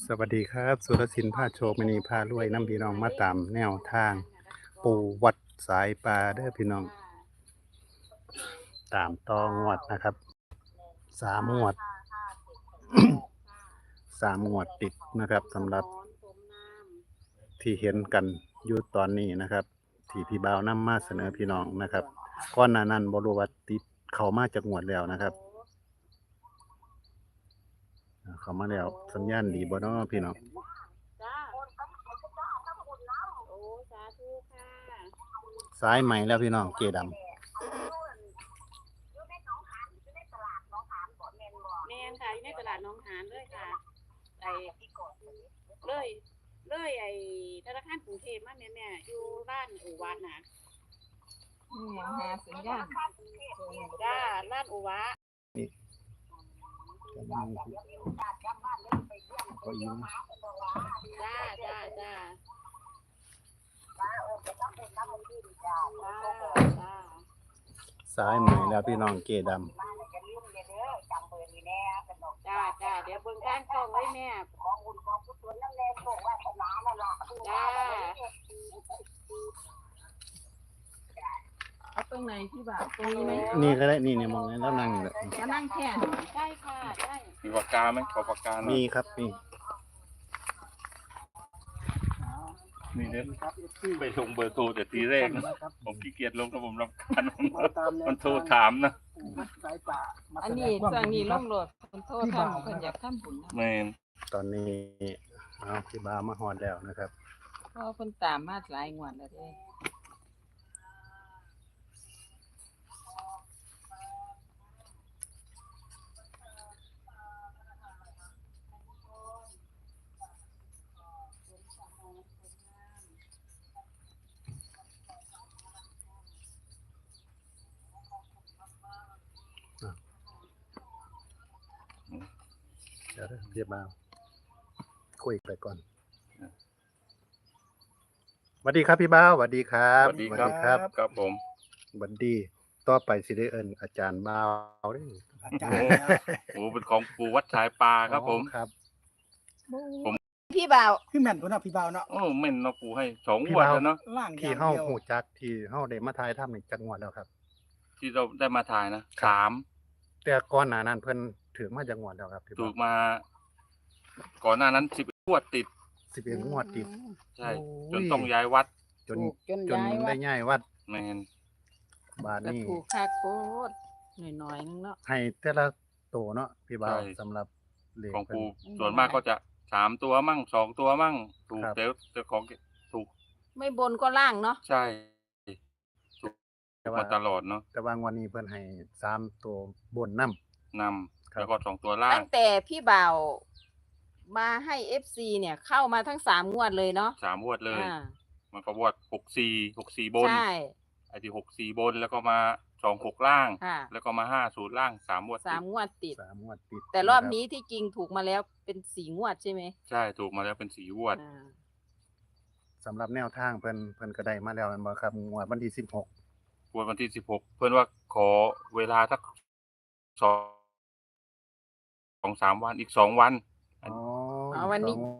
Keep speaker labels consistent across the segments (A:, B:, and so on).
A: สวัสดีครับสุรศิลป์พาโชคมณีพารวยน้ำพี่น้องมาตามแนวทางปูวัดสายปลาเด้อพี่น้องตามต่องวดนะครับ3 งวด 3 งวดติดนะครับสำหรับที่เห็นกันอยู่ตอนนี้นะครับ ที่พี่บ่าวนำมาเสนอพี่น้องนะครับก่อนหน้านั้นบ่รู้ว่าติดเข้ามาจากงวดแล้วนะครับเข้ามาแล้วสัญญาณดีบ่เนาะพี่น้อง
B: จ้าโอ้สาธุค่ะ
A: สายใหม่แล้วพี่น้องเจดำ
B: แมนค่ะอยู่ในตลาดหนองหานเลยค่ะไอ้เลยไอ้ธนาคารกรุงเทพมาแม่อยู่ร้านอู่วานนะ
C: ยังหาสัญญาณ
B: จ้าร้านอู่วา
A: ก็ยิ้ม
B: จ้าจ้า
A: สายใหม่แล้วพี่น้องเจดำ
B: จ้าเดี๋ยวเบิ่งทางช่องไว้แม่จ้า
C: เอาตรงไหนพี่บ่าวตรงนี้ไหม
A: นี่ก็ได้นี่มองแล้วนั่งอยู่แหละ
C: จะนั่งแค่
B: ได้ค่ะได้
D: มีปากกาไหมขอปากกาหน่อย
A: มีครับมี
D: มีเน้นไปลงเบอร์โทรแต่ทีแรกนะผมขี้เกียจลงกับผมรำคาญมันโทรถามนะ
C: อันนี้สั่งนี้ล่องโหลดคนโทษทำคนอยากทำบุญนะ
D: แมน
A: ตอนนี้เอาพี่บ่าวมาฮอดแล้วนะครับ
C: เพราะคนตามมาหลายงวดแล้วเด้
A: เดี๋ยวพี่บ่าวคุยไปก่อนสวัสดีครับพี่บ่าวสวัสดีครับ
D: สวัสดีครับครับผม
A: สวัสดีต่อไปสิได้เอิ้นอาจารย์บ่าวเด้อ
D: โอ้เป็นของปู่วัดสายปลาครับผม
A: ครับ
C: พี่บ่าว
E: พี่แม่นพุ่นน่ะพี่บ่าวเนาะ
D: โอ้แม่นเนาะปู่ให้2 งวดแล้วเนาะ
E: ล่างอ
A: ที่
E: ย่าง
A: เฮา
E: เดียว
A: ฮู้จักที่เฮาได้มาถ่ายทำในจังหวัดแล้วครับ
D: ที่เราได้มาถ่ายนะ
A: แต่ก่อนหน้านั้นเพิ่นถือมาจังหวัดแล้วครับพี่
D: 3ถู
A: บ่าว
D: กมาก่อนหน้านั้น10 งวดติด
A: 11 งวดติด
D: ใช่
A: โอ้
D: จ
A: ย
D: นต้องย้ายวัด
A: จน
C: จน
A: จน
C: ย้ายวั
A: ได้
C: ด
A: ย้ายวัด
D: แมน
A: บาด
C: ก็
A: นี้
C: ถูกค่าโคตรหน่อยนึงเนาะ
A: ให้แต่ละโตเนาะพี่บ่าวสำหรับเลข
D: ของ
A: เพิ่น
D: ปู่ส่วนมากก็จะ3 ตัวมั่ง2 ตัวมั่งถูก
A: ครับ
D: แต่ของถูก
C: ไม่บนก็ล่างเนาะ
D: ใช่ถูก
A: แต่
D: มา
A: ว่า
D: ตลอดเนาะ
A: แต่ว่างวันนี้เพิ่นให้3ตัวบนนำ
D: น
A: ครับ
D: ำแล้วก็2 ตัวล่า
C: ตั้
D: ง
C: งแต่พี่บ่าวมาให้ FC เนี่ยเข้ามาทั้ง3งวดเลยเนาะ
D: 3 งวดเลย
C: อ่า
D: มันก็วด64บน
C: ใช่
D: ไอ้ที่64บนแล้วก็มา26ล่าง
C: ค่ะ
D: แล้วก็มา50ล่าง3 งวดติด
C: 3งวดติด
A: 3 งวดติด
C: แต่รอบ
A: ะค
C: นี้ที่จริงถูกมาแล้วเป็น4งวดใช่ไหม
D: ใช่ถูกมาแล้วเป็น4 งวด
C: อ่า
A: สำหรับแนวทางเพิ่นก็ได้มาแล้วแม่นบ่ครับงวดวันที่16
D: งวดวันที่16เพิ่นว่าขอเวลาสัก2-3 วันอีก2 วัน
A: อ๋อ
C: อ๋อวันนี้
A: สอง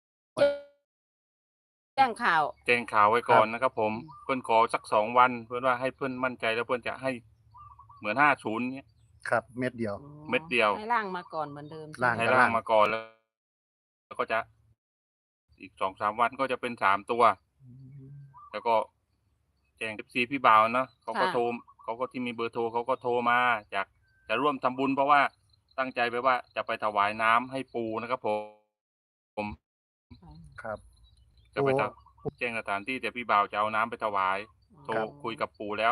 C: แจ้งข่าว
D: แจ้งข่าวไว้ก่อน
A: ครับ
D: นะครับผมเพิ่นขอสัก2 วัน เพิ่นว่าให้เพิ่นมั่นใจแล้วเพิ่นจะให้เหมือน50เนี้ย
A: ครับเม็ดเดียว
D: เม็ดเดียว
C: ให้ล่างมาก่อนเหมือนเดิม
A: ล่าง
D: ให้ร่างมาก่อนแล้วก็จะอีก2-3 วันก็จะเป็น3 ตัว แล้วก็แจ้ง FC พี่บ่าวเนาะเขาก็โทรเขาก็ที่มีเบอร์โทรเขาก็โทรมาจากจะร่วมทำบุญเพราะว่าตั้งใจไปว่าจะไปถวายน้ำให้ปู่นะครับผม
A: ครับ
D: จะไปแจ้งสถานที่แต่พี่บ่าวจะเอาน้ำไปถวายโทร
A: ครับ
D: คุยกับปู่แล้ว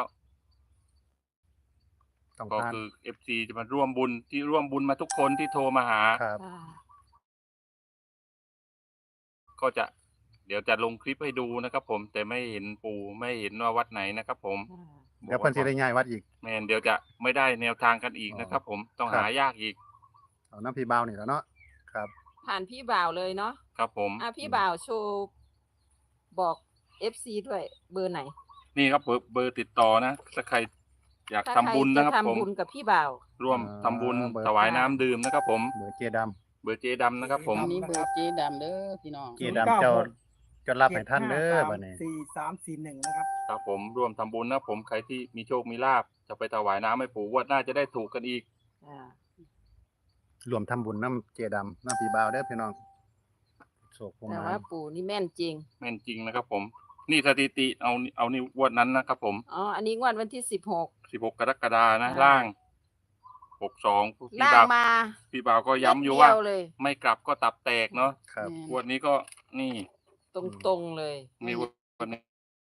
A: ต้อง
D: ก็
A: ผ่าน
D: คือ FC จะมาร่วมบุญที่ร่วมบุญมาทุกคนที่โทรมาหา
A: ครับ
C: อ่า
D: ก็จะเดี๋ยวจะลงคลิปให้ดูนะครับผมแต่ไม่เห็นปู่ไม่เห็นว่าวัดไหนนะครับผม
C: อ่า
A: เดี๋ยวเพิ่นสิได้ย้ายวัดอีก
D: แม่นเดี๋ยวจะไม่ได้แนวทางกันอีกนะครับผมต้อง
A: ครับ
D: หายากอีก
A: เอาน้ำพี่บ่าวนี่แหล้วเนาะครับ
C: ผ่านพี่บ่าวเลยเนาะ
D: ครับผม
C: พี่บ่าวโชว์บอก FC ด้วยเบอร์ไหน
D: นี่ครับเบอร์ติดต่อนะถ้าใครอยาก
C: ถ้า
D: ทำบุญ
C: ใคร
D: นะครับ
C: จะ
D: ผม
C: ทำบุญกับพี่บ่าว
D: ร่วมทำบุญ
A: เบอร์
D: ถวายน้ำดื่มนะครับผม
A: เบอร์เจด
D: เบอร์เจดำนะครับผม
E: อันนี้เบอร์เจดำเด้อพี่น้อง
A: เจดำเจ้าจะรับให้ท่านเด้อบัดนี้
E: 4341นะครับ
D: ครับผมร่วมทำบุญนะผมใครที่มีโชคมีลาภจะไปถวายน้ำให้ปู่งวดหน้าจะได้ถูกกันอีก
C: อ่าร
A: วมทำบุญน้ำเจดำน้ำพี่บ่าวเด้อพี่น้องโศกผม
C: แต่
A: มา
C: ว่าปู่นี่แม่นจริง
D: แม่นจริงนะครับผม นี่สถิติเอานี่งวดนั้นนะครับผม
C: อ๋ออันนี้งวดวันที่16
D: 16 กรกฎานะ
C: อ่า
D: ล่าง 62พี่
C: ล่าง
D: บ่าว
C: มา
D: พี่บ่าวก็ย้ำอยู่ว่า
C: เม็ดเดีเลย
D: ไม่กลับก็ตับแตกเนาะ
A: ครับ
D: งวดนี้ก็นี่
C: ตรงๆเลย
D: มีวันนี้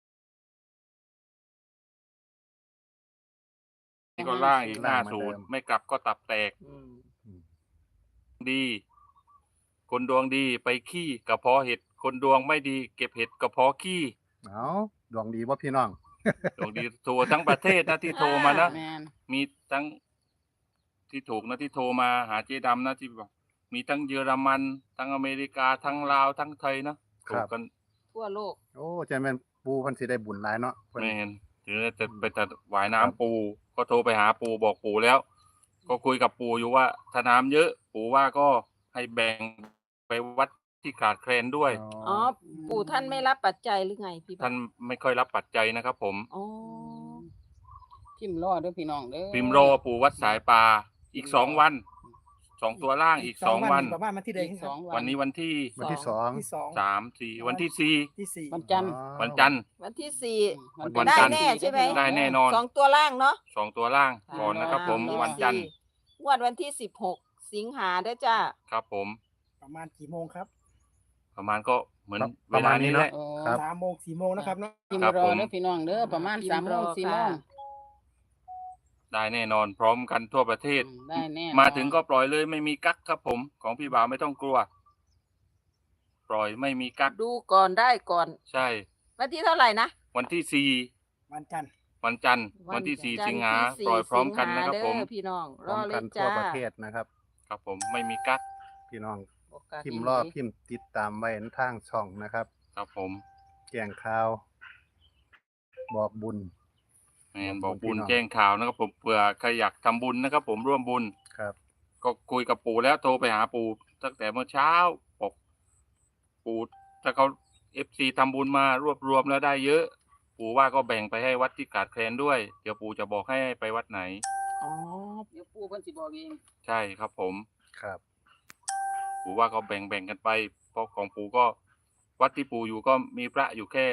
D: นี่ก็ล่างอีก
A: ล่างเหมือนเดิม
D: 50ไม่กลับก็ตับแตก
C: อืม
D: ดี คนดวงดีไปขี้กระเพาะเห็ด คนดวงไม่ดีเก็บเห็ดกระเพาะขี้
A: เอาดวงดีบ่พี่น้อง
D: ดวงดีโทรทั้งประเทศนะที่โทรมานะ
E: แมน
D: มีทั้งที่ถูกนะที่โทรมาหาเจ๊ดำนะที่บอกมีทั้งเยอรมันทั้งอเมริกาทั้งลาวทั้งไทยนะ
A: ค
D: ถู
A: รั
D: ก
A: บ
D: กัน
C: ทั่วโลก
A: โอ้ใจแม่นปูเพิ่นสิได้บุญหลายเนาะเพิ่น
D: ไม่เห็นถึงจะไปถวาย
A: ครับ
D: น้ำปูก็โทรไปหาปูบอกปูแล้ว ก็คุยกับปูอยู่ว่าถ้าน้ำเยอะ ปูว่าก็ให้แบ่งไปวัดที่ขาดแคลนด้วย
C: อ๋อ ปู่ท่านไม่รับปัจจัยหรือไงพี่
D: ท่านไม่ค่อยรับปัจจัยนะครับผม
C: อ๋อ
E: พิมพ์รอเด้อพี่น้องเด้อ
D: พิมพ์รอปูวัดสายปลาอีก2 วัน2 ตัวล่างอีก2 วัน
F: ประมาณวันที่ใด
E: อีก
F: ครับ
E: 2
D: วันนี้วันที่
A: วันที่สอง
F: ที่สอง
D: 3 4วันที่
F: ที่สี่
E: วันจันทร์
A: อ๋อ
D: 4วันจันทร์
C: วันที่
D: วัน
C: 4
D: จั
C: ได้
D: นทร์
C: แน่ใช่ไหม
D: ได้แน่นอน
C: สองตัวล่างเนาะ
D: 2 ตัวล่างก่อนนะครับผม
C: อ่า
D: วันจันทร์
C: งวดวันที่16 สิงหาเด้อจ้า
D: ครับผม
F: ประมาณกี่โมงครับ
D: ประมาณก็เหมือน
A: ประ
D: เว
A: มา
D: ลา
A: ณนี้
D: นี้
A: เน
D: แห
A: อะ
D: ละ
E: โอ้
A: ครับ
F: 3 โมง 4 โมงนะครับเนาะ
E: พิม
D: ครับ
E: พ์รอ
D: ผม
E: เด้อพี่น้องเด้อประมาณ
C: พิมพ์
E: 3 โมง
C: รอ
E: 4 โมง
C: ค่ะ
D: ได้แน่นอนพร้อมกันทั่วประเทศ
E: ได้แน่นอน
D: มาถึงก็ปล่อยเลยไม่มีกั๊กครับผม ของพี่บ่าวไม่ต้องกลัว ปล่อยไม่มีกั๊ก
C: ดูก่อนได้ก่อน
D: ใช่
C: วันที่เท่าไหร่นะ
D: วันที่
F: วันจันทร์
D: 4วันจันทร์วันที่ 4 สิงหาปล่อยพร้อมกันนะครับผม
C: เด้อพี่น้อง
A: พ
C: ร
A: ร้อ
C: อ
A: ม
C: เล
A: กั
C: ย
A: นทั่
C: จ้าว
A: ประเทศนะครับ
D: ครับผมไม่มีกั๊ก
A: พี่น้อง
C: โอกาส
A: พิมพ์
C: ดี
A: รอพิมพ์ติดตามไว้ทางช่องนะครับ
D: ครับผม
A: แจ้งข่าว บอกบุญ
D: แมนบอกบุญ
A: พี่น้อง
D: แจ้งข่าวนะครับผมเผื่อใครอยากทำบุญนะครับผมร่วมบุญ
A: ครับ
D: ก็คุยกับปู่แล้วโทรไปหาปู่ตั้งแต่เมื่อเช้าบอกปู่ถ้าเขาFC ทำบุญมารวบรวมแล้วได้เยอะ ปู่ว่าก็แบ่งไปให้วัดที่ขาดแคลนด้วย เดี๋ยวปู่จะบอกให้ไปวัดไหน
C: อ๋อ
E: เดี๋ยวปู่เพิ่นสิบอกเอง
D: ใช่ครับผม
A: ครับ
D: ปู่ว่าก็แบ่งกันไปเพราะของปู่ก็วัดที่ปู่อยู่ก็มีพระอยู่แค่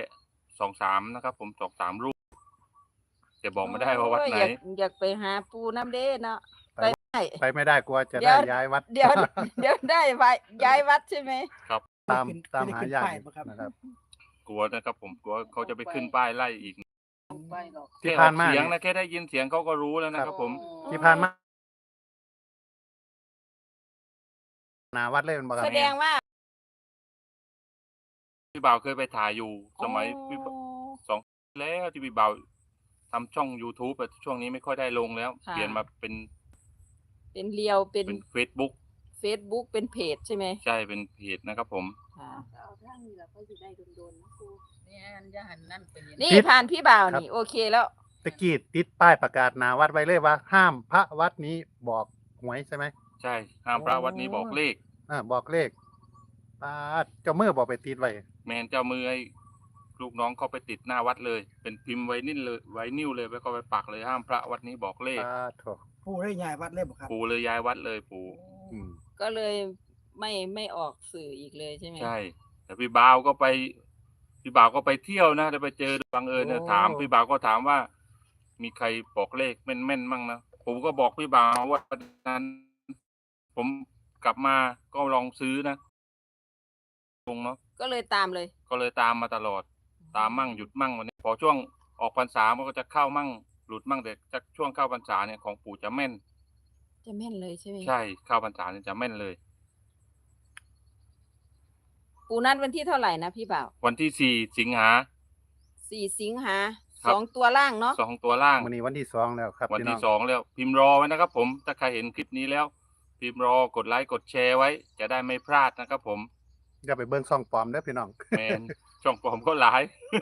D: 2-3นะครับ ผม2-3 รูปแต่บอกไม่ได้ว่าวัดไหน
C: โอ้ยอยากไปหาปูน้ำเด้เนาะ
A: ไป
C: ไปได้
A: ไปไม่ได้กลัวจะ
C: เดี๋
A: ได้
C: ยว
A: ย้ายวัด
C: เดี๋ยวเดี๋ยวได้ไปย้ายวัดใช่ไหม
A: ตาม
F: ขึ้น
A: ตาม
F: ขึ้น
A: หา
F: ขึ้น
A: ยาก
F: ป้ายบ่ครับ
A: นะครับ
D: กลัวนะครับผมกลัวเขาจะไปขึ้นป้ายไล่อีก
E: ไปดอก
A: ที่
D: แค่
A: ผ่า
D: อน อก
A: มา
D: เสียง
A: เนี่
D: นะ
A: ย
D: แค่ได้ยินเสียงเขาก็รู้แล้วนะครับผม
A: ที่ผ่านมาหนาวัดเลยมันบอก
C: แสดงว่า
D: พี่บ่าวเคยไปถ่ายอยู่สมัย
C: อ๋อ
D: พี่แล้วที่พี่บ่าวทำช่อง YouTube แต่ช่วงนี้ไม่ค่อยได้ลงแล้ว
C: ค่ะ
D: เปลี่ยนมาเป็น
C: เป็นเรียวเป็น
D: Facebook
C: Facebook เป็นเพจใช่ไหม
D: ใช่เป็นเพจนะครับผม
C: ค่ะ
B: เอาทางนี้ล่ะก็สิได้โดนๆนะครู
E: เนี่ยอย่าหันนั่นไปเห็น
C: นี่ผ่านพี่บ่าวนี่โอเคแล้ว
A: ตะกี้ติดป้ายประกาศหนาวัดไว้เลยว่า ห้ามพระวัดนี้บอกหวยใช่ไหม
D: ใช่ห้ามพระวัดนี้บอกเลข
A: บอกเลขป้าดเจ้ามือบอกไปติดไว้
D: แมนเจ้ามือให้ลูกน้องเขาไปติดหน้าวัดเลย เป็นพิมพ์ไว้นิ่นเลยไว้นิ้วเลยแล้วก็ไปปักเลยห้ามพระวัดนี้บอกเลข
A: ป้าดโถ
F: ผู้ได้ย้ายวัดเลยบ่ครับ
D: ปู่เลยย้ายวัดเลยปู่
A: อืม
C: ก็เลยไม่ออกสื่ออีกเลยใช่ไหม
D: ใช่ แต่พี่บ่าวก็ไปเที่ยวนะแต่ไปเจอบังเอิญนะ
A: โอ้
D: ถามพี่บ่าวก็ถามว่า มีใครบอกเลขแม่นๆมั่งนะผมก็บอกพี่บ่าวว่าวันนั้น ผมกลับมาก็ลองซื้อนะตรงเนาะ
C: ก็เลยตามเลย
D: ก็เลยตามมาตลอด ตามมั่งหยุดมั่งวันนี้พอช่วงออกพรรษามันก็จะเข้ามั่งหลุดมั่งแต่จากช่วงเข้าพรรษาเนี่ยของปู่จะแม่น
C: จะแม่นเลยใช่ไหม
D: ใช่เข้าพรรษาเนี่ยจะแม่นเลย
C: ปูนัดวันที่เท่าไหร่นะพี่บ่าว
D: วันที่4 สิงหา
C: 4 สิงหา
D: ครับ
C: 2 ตัวล่างเนาะ
D: 2 ตัวล่าง
A: วันนี้วันที่สองแล้วครับ
D: วัน
A: พี่น้
D: ที่
A: อง
D: 2แล้วพิมพ์รอไว้นะครับผมถ้าใครเห็นคลิปนี้แล้ว พิมพ์รอกดไลค์กดแชร์ไว้ จะได้ไม่พลาดนะครับผม
A: อย่าไปเบิ้งซ่องปลอมเด้อพี่น้อง
D: แมน ช่องปลอมก็หลาย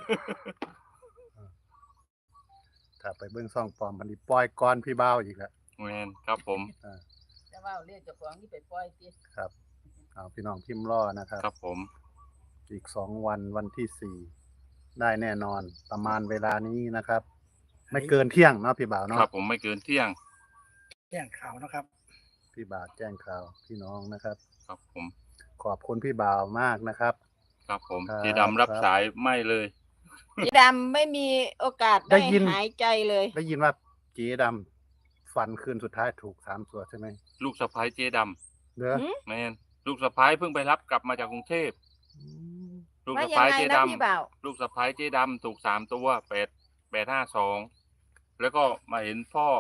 A: ถ้าไปเบิ้งซ่องปลอมมันนี่ปล่อยก่อนพี่บ่าวอีกแล้ว
D: แมนครับผม
E: แต่ว่าเลขเจ้าของนี่ไปปล่อยติ
A: ครับเอาพี่น้องพิมพ์รอนะครับ
D: ครับผม
A: อีก2 วันวันที่4ได้แน่นอนประมาณเวลานี้นะครับ ไม่เกินเที่ยงเนาะพี่บ่าว
D: ครั
A: เนาะ
D: บผมไม่เกินเที่ยง
F: แจ้งข่าวนะครับ
A: พี่บ่าวแจ้งข่าวพี่น้องนะครับ
D: ครับผม
A: ขอบคุณพี่บ่าวมากนะครับ
D: ครับผม
A: ครับ
D: เจดำรับสายไม่เลย
C: พี่ดำไม่มีโอกาส
A: ได้
C: ได้
A: ยิน
C: หายใจเลย
A: ได้ยินว่าเจ๊ดำฝันคืนสุดท้ายถูก3 ตัวใช่ไหม
D: ลูกสะพ้ายเจด
A: เด้อ
C: หืม
D: ำแมนลูกสะพ้ายเพิ่งไปรับกลับมาจากกรุงเทพลูก
C: ว่า
D: สะ
C: ยัง
D: พ้าย
C: ไง
D: เจ
C: นะ
D: ด
C: พี่บ่าว
D: ำลูกสะพ้ายเจดำถูก3 ตัว852แล้วก็มาเห็นพ่อ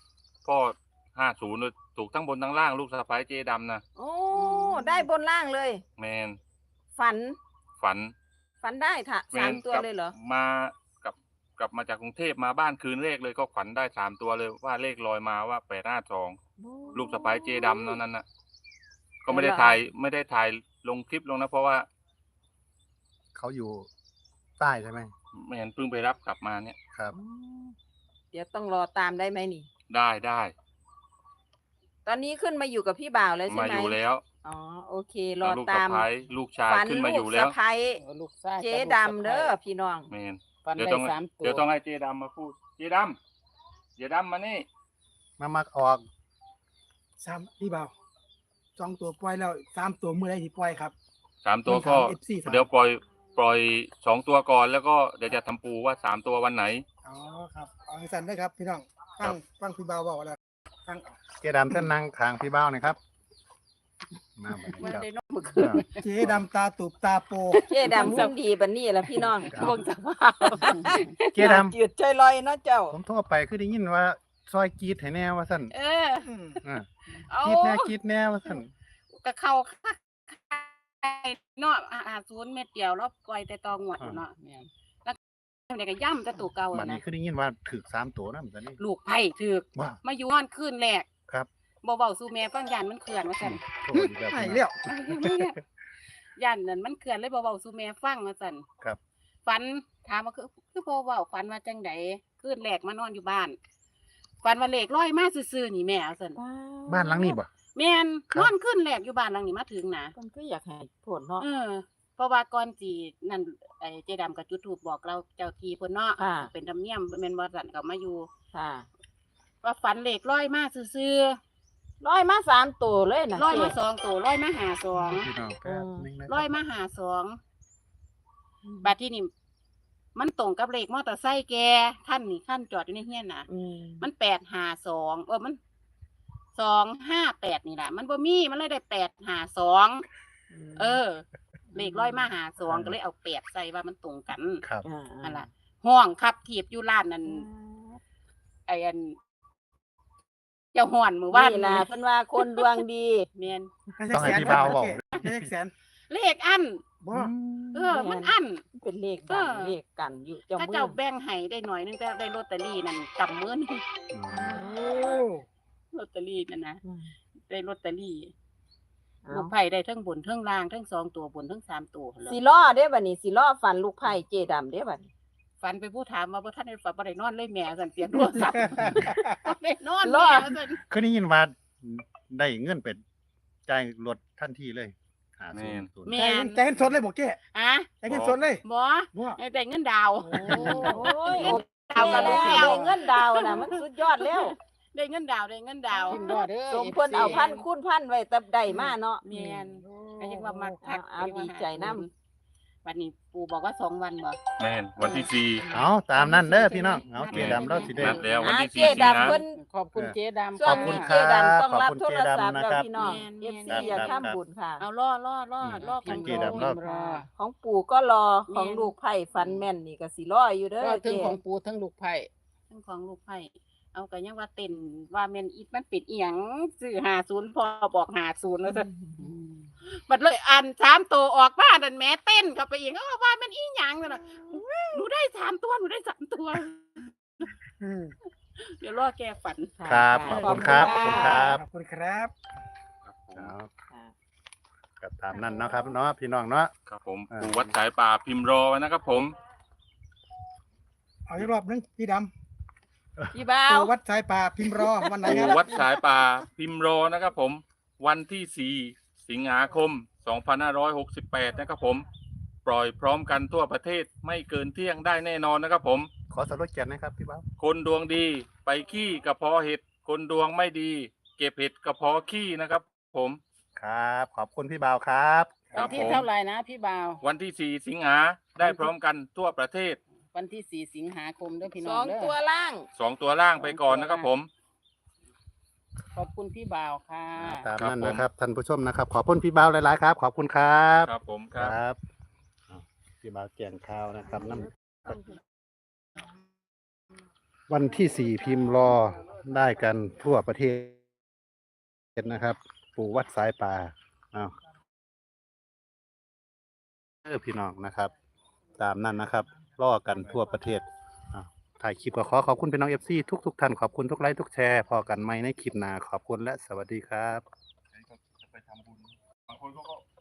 D: 50เลยถูกทั้งบนทั้งล่างลูกสะพ้ายเจดำนะ
C: โอ้ได้บนล่างเลย
D: แมน
C: ฝัน
D: ฝัน
C: ได้ค่ะ
D: แม
C: สาม
D: น
C: ตัว
D: กลับ
C: เลยเหรอ
D: กลับมาจากกรุงเทพมาบ้านคืนเลขเลยก็ฝันได้3 ตัวเลยว่าเลขลอยมาว่า852ลูกสะพ้ายเจดำนั้นน่ะ ก็ไม่ได้ถ่ายลงคลิปลงนะเพราะว่า
A: เขาอยู่ใต้ใช่ไหม
D: ไม่เห็นเพิ่งไปรับกลับมาเนี่ย
A: ครับ
C: เดี๋ยวต้องรอตามได้ไหมนี่
D: ได้
C: ตอนนี้ขึ้นมาอยู่กับพี่บ่าวแล้วใช่
D: มา
C: ไหม
D: อยู่แล้ว
C: อ๋อโอเค รอ
D: ลูก
C: ตา
D: สะ
C: ม
D: พ้ายลูกชาย
C: ฝัน
D: ขึ้นมา
C: ลู
D: อยู่
C: ก
D: แล้
C: สะ
D: ว
C: พ้าย
E: ลูกชาย
C: เจ๊ดำเด้อพี่น้อง
D: แมน
E: ฟัน
D: เดี๋ยว
E: ได้
D: ต้อง
E: 3 ตัว
D: เดี๋ยวต้องให้เจดำมาพูดเจดำมานี่
A: มาออก
F: พี่บ่าว2 ตัวปล่อยแล้ว3 ตัวเมื่อไรที่ปล่อยครับ
D: 3 ตัวก็
F: ถาม FC
D: เดี๋ยวปล่อย2 ตัวก่อนแล้วก็เดี๋ยวจะทำปูว่า3 ตัววันไหน
F: อ๋อครับเอาให้สั่นได้ครับพี่น้องฟังพี่บ่าวบอกแล้วฟัง
A: เจ๊ดำท่านนั่งข้างพี่บ่าวหนะครับมาบัด
E: มัน
A: นี้ครับ
E: ได้นอนเมื่อคืน
F: เจ๊ดำตาตูบตาโป
C: เจ๊ดำหุ่นดีบันนี้ละพี่น้อง
E: เบิ่งสภาพ
A: เจ๊ด
C: จืดใจลอยเนาะเจ้า
A: ำผมโทรไปคือได้ยินว่าซอยกรีดให้แน่ว่าสั่น
B: เออ
A: อ่า
B: เอา
A: กรีดแน่ว่าสั่น
B: ก็เข้าเนาะ50 เม็ดเดียวแล้วปล่อยแต่ตองวดอยู่เนาะ
E: แม่น
B: เดี๋ยวก็ย่ำจะตัวเก่า
A: บัด
B: อะ
A: นี้
B: นะ
A: คือได้ยินว่าถึก3 ตัวนะบัดนี้
B: ลูกไผ่ถึก
A: ว้า
B: มาอยู่นอนคืนแรก
A: ครับ
B: บ่เบาสู่แม่ฟังยันมันเขื่อนว่าซั่น
A: โทรอีกแล้ว
F: ให้
A: พี่น้อง
F: เลี้ยว
B: ยันนั่นมันเขื่อนเลยบ่เบาสู่แม่ฟังว่าซั่น
A: ครับ
B: ฝันถามว่าคือบ่เว้าฝันว่าจังไดคืนแรกมานอนอยู่บ้านฝันว่าเลขลอยมาซื่อๆนี่แม่ว่าซั่น
A: บ้านหลังนี้บ่
B: แม่น
A: ครับ
B: นอนคืนแรกอยู่บ้านหลังนี้มาถึงนะ
C: มันก็อยากให้ผลเนาะ
B: เพราะว่าก่อนสินั่นไอ้เจดํกับจุดธูปบอกเราเจ้าที่เพิ่นเนาะ
C: ค่ะ
B: เป็นธรรมเนียมแม่นบ่ซั่นก็มาอยู่
C: ค่ะ
B: ว่าฝันเลขลอยมาซื่อ
C: ร้อยมา3ตัวเลยนะ
B: ๆลอยมา
C: เจ๊
B: 2ตัวลอยมาหาสอง
A: พี่น้องแป๊บนึงนะ
B: ลอยมาหาสองบัดที่นี่มันตรงกับเลขมอเตอร์ไซค์แกท่านนี่ท่านจอดอยู่ในเฮียนน่ะ
C: อืม
B: มัน852มัน258นี่แหละมันบ่มีมันเลยได้852เลขร้อยมาหา2ก็เลยเอา8ใส่ว่ามันตรงกัน
A: ครับ
B: นั่นล่ะห้องขับถีบอยู่ร้านนั้นไอ้อันเจ้าฮ้อนมื้อวาน
C: นี่ล่ะเพิ่นว่าคนดวงดี
B: แม่น
A: ต้องให้พี่บ่าวบอก
F: ได้แสน
B: เลขอัน
F: บ่
B: มันอัน
C: เป็นเลขดัง
B: เออ
C: เลขกันอยู่เจ้า
B: ถ้า
C: มื
B: เจ้า
C: อ
B: แบ่งให้ได้หน่อยนึงแต่ได้ลอตเตอรี่นั่นกำมือนึง
F: โอ้
B: ลอตเตอรี่นั่นนะ
C: อืม
B: ได้ลอตเตอรี่
C: เอา
B: ลูกไผ่ได้ทั้งบนทั้งล่างทั้ง2 ตัวบนทั้ง3 ตัวเลย
C: สิล้อเด้บัดนี้สิล้อฟันลูกไผ่เจดำเด้บัดนี้
B: ฝันไปผู้ถามว่าบ่ทันได้ฝันบ่ได้นอนเลยแม่สั่นเสียงโทรศัพท์บ่ได้นอน
C: รอ
B: แม่สั่น
A: เคยได้ยินว่าได้เงินเป็นจ่ายรถทันทีเลยหา
D: แม่น
A: ศูนย์
B: แม่
F: ใจเงินสดเลยบอกเจ๊
B: อะ
F: ใจเงินสดเลย
B: บ่
F: บ่
B: ได้เงินดาว
C: โอ้ย
B: ดาว
C: แล้
B: กับ
C: ว
B: ลูกแก้ว
C: ได้เงินดาวน่ะมันสุดยอดแล้ว
B: ได้เงินดาวได้เงินดาว
E: กินดอเด้อ
C: สมควรเอาพันคูณพันไว้แต่ได้มาเนาะ
B: แม่นก็ยังว่ามักคัก
C: เอาดีใจนำ
B: วันนี้ปู่บอกว่า2 วันบ่
D: แม่นวันที่
A: เอาตามนั้นเด้อพี่น้องเอาเจดำเราสิได้
D: นัดแล้ว วันที่
C: เจ
D: 4 สิง
C: ดำ
D: หา
C: เพิ่น
E: ขอบคุณเจ๊ดำ
C: ช่วง
A: ขอบคุณ
C: นี้
A: ครั
C: เจ
A: บ
C: ดำต้องรับ
A: ขอบ
C: โท
A: คุณ
C: ร
A: เจ
C: ศัพท์
A: ดำนะ
C: แล้ว
A: ครับ
C: พี่น้อง
B: แม่น
C: FC อย่าทำบุญค่ะ
B: เอารอกัน
A: เจดำรอบ
E: รอ
C: ของปู่ก็รอของลูกไผ่ฟันแม่นนี่ก็สิรออยู่เด้
E: ก็
C: อ
E: ถึ
C: เจ
E: งของปูทั้งลูกไผ่
B: ทั้งของลูกไผ่เอาก็ยังว่าเต้นว่าแม่นอีมันปิดอีหยังซื้อ50พอบอก50แล้วซั่น บัดเลยอัน3 ตัวออกมาดันแม่เต้นเข้าไปอีกเขาว่ามันอีหยังนั่นน่ะหนูได้3 ตัวหนูได้3 ตัว
F: อืม
B: เดี๋ยวรอแกฝัน
A: ครับขอบคุณครับขอบคุณครับ
F: ขอบคุณครับ
A: เอา
C: ค่ะ
A: ก็ตามนั้นเนาะครับเนาะพี่น้องเนาะ
D: ครับผม
A: อ่า
D: ปู่วัดสายป่าพิมพ์รอไว้นะครับผม
F: เอาอีกรอบนึงพี่ด
C: พี่บ่า
F: ำ
C: ว
F: ตัววัดสายป่าพิมพ์รอวันไหนค
D: ปู่
F: รับ
D: วัดสายป่าพิมพ์รอนะครับผม วันที่4 สิงหาคม 2568 นะครับผม ปล่อยพร้อมกันทั่วประเทศไม่เกินเที่ยงได้แน่นอนนะครับผม
A: ขอสรุปแกนนะครับพี่เบา
D: คนดวงดีไปขี้กระเพาะเห็ด คนดวงไม่ดี เก็บเห็ดกระเพาะขี้นะครับผม
A: ครับ ขอบคุณพี่เบาครับ
D: ครั
E: วั
D: บ
E: นที่
D: ผม
E: เท่าไหร่นะพี่บ่าว
D: วันที่ 4 สิงหาได้พร้อมกันทั่วประเทศ
E: วันที่ 4 สิงหาคมเด้อพี่
C: ส
E: น้อ
C: อง ง
E: เด้อ
C: ตัวล่าง
D: 2 ตัวล่างไปก่อนนะครับผม
E: ขอบคุณพี่บ่าวค่ะ
A: ตาม
D: ครับ
A: นั้น
D: ผม
A: นะครับท่านผู้ชมนะครับ ขอบคุณพี่เบาหลายๆครับ ขอบคุณครับ
D: ครับผมค
A: ครับ บอ้าวพี่เบาแกงข้าวนะครับน้ำวันที่ 4 พิมพ์รอได้กันทั่วประเทศนะครับ ปู่วัดสายป่าอ้าวพี่น้องนะครับ ตามนั้นนะครับรอกันทั่วประเทศอ้าวถ่ายคลิปก็ขอบคุณพี่น้องFC ทุกท่านขอบคุณทุกไลค์ทุกแชร์พอกันไหมในคลิปหน้าขอบคุณและสวัสดีครับ
D: จะไปทำบุญบางคนเขาก็